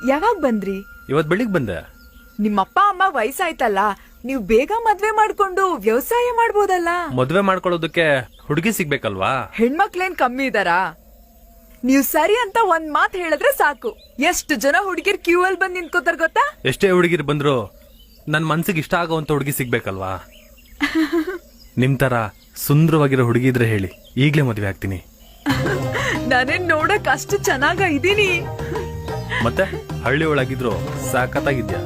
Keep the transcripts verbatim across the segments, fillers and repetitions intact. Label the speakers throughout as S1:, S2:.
S1: ಯಾವಾಗ ಬಂದ್ರಿ?
S2: ಇವತ್ ಬೆಳಿಗ್ ಬಂದೆ.
S1: ನಿಮ್ಮಪ್ಪ ಅಮ್ಮ ವಯಸ್ಸಾಯ್ತಲ್ಲ, ನೀವು ಬೇಗ ಮದ್ವೆ ಮಾಡ್ಕೊಂಡು ವ್ಯವಸಾಯ ಮಾಡ್ಬೋದಲ್ಲ.
S2: ಮದ್ವೆ ಮಾಡ್ಕೊಳ್ಳೋದಕ್ಕೆ ಹುಡುಗಿ ಸಿಗ್ಬೇಕಲ್ವಾ?
S1: ಹೆಣ್ಮಕ್ಳೇನ್ ಕಮ್ಮಿ ಇದಾರಾ? ನೀವ್ ಸರಿ ಅಂತ ಒಂದ್ ಮಾತ್ ಹೇಳಿದ್ರೆ ಸಾಕು, ಎಷ್ಟು ಜನ ಹುಡುಗಿರ್ ಕ್ಯೂ ಅಲ್ಲಿ ಬಂದ್ ನಿಂತ್ಕೋತಾರ ಗೊತ್ತಾ?
S2: ಎಷ್ಟೇ ಹುಡುಗಿರ್ ಬಂದ್ರು ನನ್ ಮನ್ಸಿಗೆ ಇಷ್ಟ ಆಗೋವಂತ ಹುಡುಗಿ ಸಿಗ್ಬೇಕಲ್ವಾ? ನಿಮ್ ತರ ಸುಂದರವಾಗಿರೋ ಹುಡುಗಿ ಇದ್ರೆ ಹೇಳಿ, ಈಗ್ಲೇ ಮದ್ವೆ ಆಗ್ತೀನಿ.
S1: ನಾನೇನ್ ನೋಡಕ್ ಅಷ್ಟು ಚೆನ್ನಾಗ ಇದೀನಿ.
S2: ಮತ್ತೆ ಹಳ್ಳಿ ಒಳಗಿದ್ರು ಸಾಕತ್ತಾಗಿದ್ಯಾ?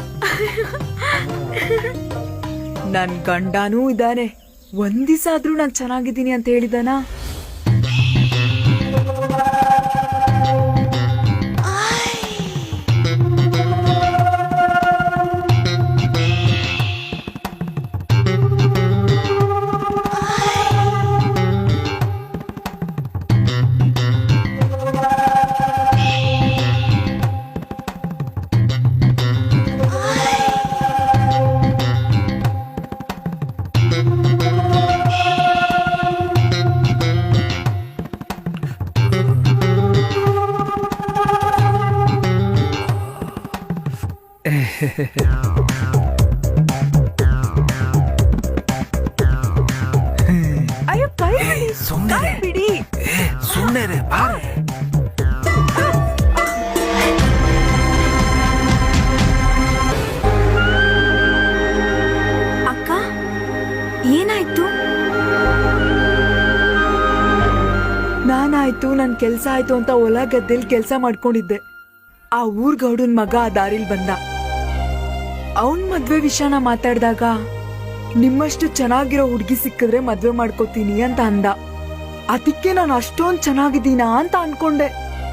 S1: ನನ್ ಗಂಡನೂ ಇದ್ದಾನೆ, ಒಂದ್ ದಿವಸ ಆದ್ರೂ ನಾನ್ ಚೆನ್ನಾಗಿದ್ದೀನಿ ಅಂತ ಹೇಳಿದಾನ? ಅಯ್ಯೋ ಕೈ ಬಿಡಿ, ಕೈ ಬಿಡಿ.
S2: ಸುಮ್ಮನೆ
S3: ಅಕ್ಕ, ಏನಾಯ್ತು?
S1: ನಾನಾಯ್ತು, ನನ್ ಕೆಲ್ಸ ಆಯ್ತು ಅಂತ ಹೊಲ ಗದ್ದೆಲ್ ಕೆಲ್ಸ ಮಾಡ್ಕೊಂಡಿದ್ದೆ. ಆ ಊರ್ ಗೌಡನ್ ಮಗ ಆ ದಾರಿಲ್ ಬಂದ. ಅವನ್ ಮದ್ವೆ ವಿಷಯನ ಮಾತಾಡ್ದಾಗ, ನಿಮ್ಮಷ್ಟು ಚೆನ್ನಾಗಿರೋ ಹುಡ್ಗಿ ಸಿಕ್ಕಿದ್ರೆ ಮದ್ವೆ ಮಾಡ್ಕೋತೀನಿ ಅಂತ ಅಂದ. ಅದಕ್ಕೆ ನಾನು ಅಷ್ಟೊಂದ್ ಚೆನ್ನಾಗಿದ್ದೀನಾ ಅಂತ ಅನ್ಕೊಂಡೆ.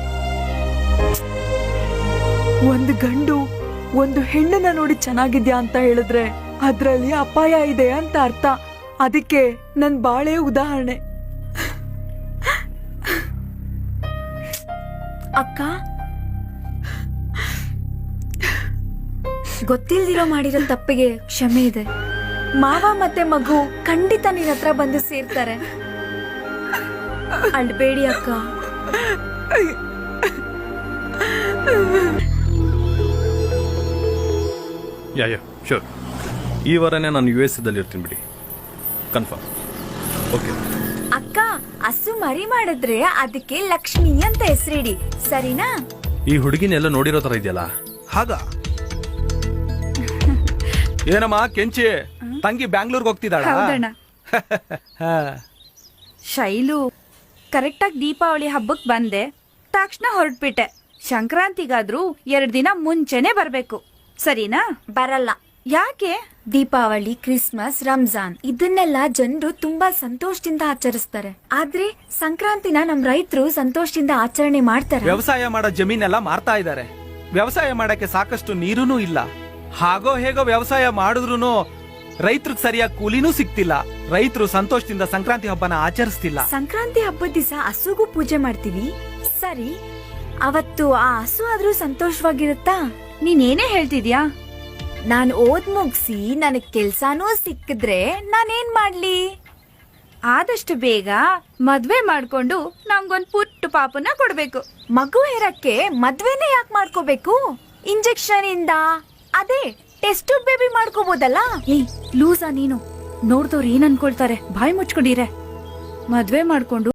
S1: ಒಂದು ಗಂಡು ಒಂದು ಹೆಣ್ಣನ್ನ ನೋಡಿ ಚೆನ್ನಾಗಿದ್ಯಾ ಅಂತ ಹೇಳಿದ್ರೆ ಅದ್ರಲ್ಲಿ ಅಪಾಯ ಇದೆ ಅಂತ ಅರ್ಥ. ಅದಕ್ಕೆ ನನ್ ಬಾಳೆ ಉದಾಹರಣೆ.
S3: ಅಕ್ಕ, ಗೊತ್ತಿಲ್ದಿರೋ ಮಾಡಿರೋ ತಪ್ಪಿಗೆ ಕ್ಷಮೆ ಇದೆ. ಮಾವ ಮತ್ತೆ ಮಗು ಖಂಡಿತ ನಿನ್ನ ಹತ್ರ ಬಂದು ಸೇರ್ತಾರೆ. ಅಳ್ಬೇಡಿ ಅಕ್ಕ.
S2: Ya ya sure. ಈ ವಾರನೇ ನಾನು ಯು ಎಸ್ ದಲ್ಲಿ ಇರ್ತೀನಿ ಬಿಡಿ, ಕನ್ಫರ್ಮ್. ಓಕೆ
S3: ಅಕ್ಕ, ಹಸು ಮರಿ ಮಾಡಿದ್ರೆ ಅದಕ್ಕೆ ಲಕ್ಷ್ಮಿ ಅಂತ ಹೆಸರಿಡಿ, ಸರಿನಾ?
S2: ಈ ಹುಡುಗಿನೆಲ್ಲ ನೋಡಿರೋ ತರ ಇದೆಯಲ್ಲ,
S4: ಹಾಗ ಏನಮ್ಮ ಕೆಂಚಿ ತಂಗಿ ಬ್ಯಾಂಗ್ಳೂರ್ಗೆ ಹೋಗ್ತಿದ್ದಾಳ?
S5: ಶೈಲು, ಕರೆಕ್ಟಾಗಿ ದೀಪಾವಳಿ ಹಬ್ಬಕ್ಕೆ ಬಂದೆ, ತಕ್ಷಣ ಹೊರಟ್ಬಿಟ್ಟೆ. ಸಂಕ್ರಾಂತಿಗಾದ್ರೂ ಎರಡ್ ದಿನ ಮುಂಚೆನೆ ಬರ್ಬೇಕು, ಸರಿನಾ?
S3: ಬರಲ್ಲ.
S5: ಯಾಕೆ?
S3: ದೀಪಾವಳಿ, ಕ್ರಿಸ್ಮಸ್, ರಂಜಾನ್ ಇದನ್ನೆಲ್ಲ ಜನರು ತುಂಬಾ ಸಂತೋಷದಿಂದ ಆಚರಿಸ್ತಾರೆ. ಆದ್ರೆ ಸಂಕ್ರಾಂತಿನ ನಮ್ ರೈತರು ಸಂತೋಷದಿಂದ ಆಚರಣೆ ಮಾಡ್ತಾರೆ.
S4: ವ್ಯವಸಾಯ ಮಾಡೋ ಜಮೀನೆಲ್ಲ ಮಾರ್ತಾ ಇದ್ದಾರೆ. ವ್ಯವಸಾಯ ಮಾಡಕ್ಕೆ ಸಾಕಷ್ಟು ನೀರೂ ಇಲ್ಲ. ಹಾಗೋ ಹೇಗೋ ವ್ಯವಸಾಯ ಮಾಡಿದ್ರು ರೈತರಿಗೆ ಸರಿಯಾಗಿ ಕೂಲಿನೂ ಸಿಗ್ತಿಲ್ಲ. ರೈತರು ಸಂತೋಷದಿಂದ ಸಂಕ್ರಾಂತಿ ಹಬ್ಬನ ಆಚರಿಸ್ತಿಲ್ಲ.
S3: ಸಂಕ್ರಾಂತಿ ಹಬ್ಬದ ದಿವಸ ಹಸುಗೂ ಪೂಜೆ ಮಾಡ್ತೀವಿ, ಸರಿ. ಅವತ್ತು ಆ ಹಸು ಆದ್ರೂ ಸಂತೋಷವಾಗಿರುತ್ತಾ?
S5: ನೀನೇನೇ ಹೇಳ್ತಿದ್ಯಾ?
S3: ನಾನ್ ಓದ್ ಮುಗ್ಸಿ ನನಗ್ ಕೆಲ್ಸಾನೂ ಸಿಕ್ಕಿದ್ರೆ ನಾನೇನ್ ಮಾಡ್ಲಿ?
S5: ಆದಷ್ಟು ಬೇಗ ಮದ್ವೆ ಮಾಡ್ಕೊಂಡು ನಂಗೊಂದ್ ಪುಟ್ಟ ಪಾಪನ ಕೊಡ್ಬೇಕು.
S3: ಮಗು ಇರಕ್ಕೆ ಮದ್ವೆನೇ ಯಾಕೆ ಮಾಡ್ಕೋಬೇಕು? ಇಂಜೆಕ್ಷನ್ ಇಂದ ಅದೇ ಟೆಸ್ಟ್ ಬೇಬಿ ಮಾಡ್ಕೋಬಹುದಲ್ಲ.
S5: ಏಯ್ ಲೂಸಾ ನೀನು, ನೋಡ್ದವ್ರು ಏನ್ ಅನ್ಕೊಳ್ತಾರೆ? ಬಾಯಿ ಮುಚ್ಕೊಂಡಿರೆ. ಮದ್ವೆ ಮಾಡ್ಕೊಂಡು